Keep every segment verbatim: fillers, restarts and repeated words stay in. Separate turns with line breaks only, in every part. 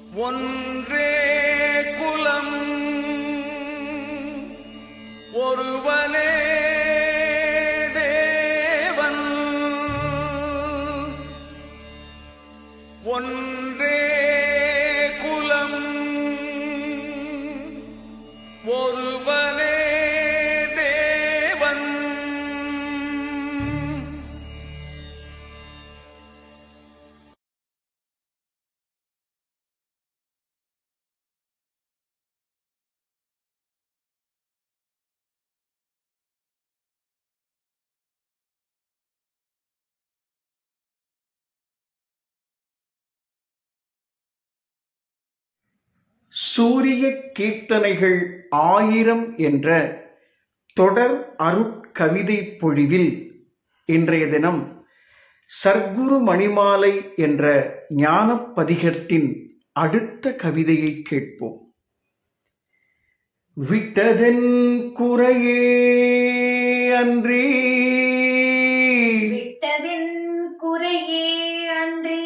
ஒன்றே குலம் ஒருவனே தேவன். ஒன்றே குலம் ஒருவனே தேவன்.
சூரிய கீர்த்தனைகள் ஆயிரம் என்ற தொடர் அருட்கவிதை பொழிவில் இன்றைய தினம் சர்க்குரு மணிமாலை என்ற ஞானப்பதிகத்தின் அடுத்த கவிதையை கேட்போம். விட்டதென் குறையே அன்றி
விட்டதென் குறையே அன்றி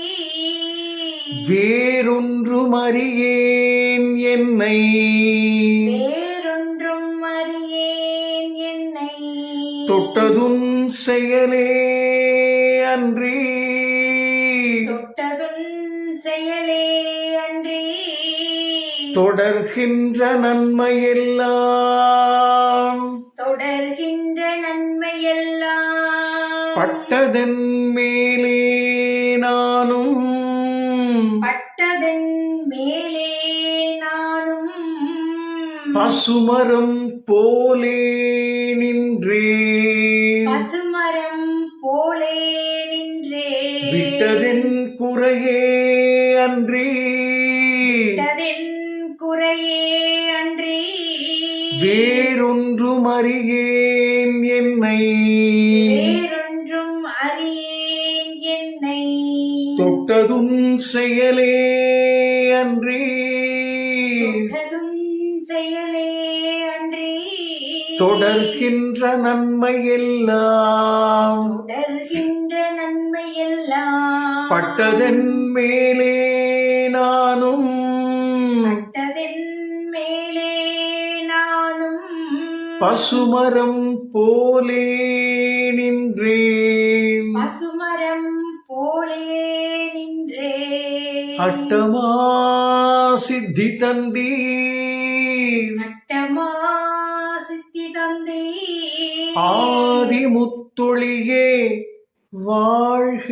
வேறொன்றும் அறியேன் என்னை
வேறொன்றும் அறியேன் என்னை
தொட்டதுன் செயலே அன்றி
தொட்டதுன் செயலே அன்றி
தொடர்கின்ற நன்மையெல்லாம்
தொடர்கின்ற நன்மையெல்லாம்
பட்டதன் மேலே நானும்
பட்டதன் மேலே நானும்
பசுமரம் போலே நின்றே
பசுமரம் போலே நின்றே
விட்டதென் குறையே அன்றி
விட்டதென் குறையே அன்றி
வேறொன்றும் அறியேன் என்னை
வேறொன்றும் அறியேன் என்னை
தொட்டதுன் செயலே அன்றி
தொட்டதும் செயலே அன்றி
தொடர்கின்ற நன்மையெல்லாம்
தொடர்கின்ற நன்மையெல்லாம்
பட்டதன் மேலே நானும்
பட்டதென் மேலே நானும்
பசுமரம் போலே நின்றேன்
பசுமரம் போலே நின்றே
அட்டமா சித்தி தந்தீர்
அட்டமா சித்தி தந்தை
ஆதி முத்தொழியே வாழ்க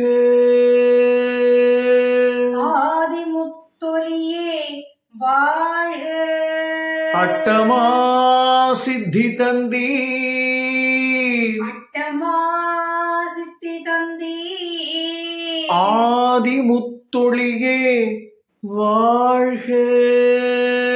ஆதி முத்தொலியே வாழ்க
அட்டமா சித்தி தந்தீர்
அட்டமா சித்தி தந்தி
ஆதி முத்தொழியே வாழ்க.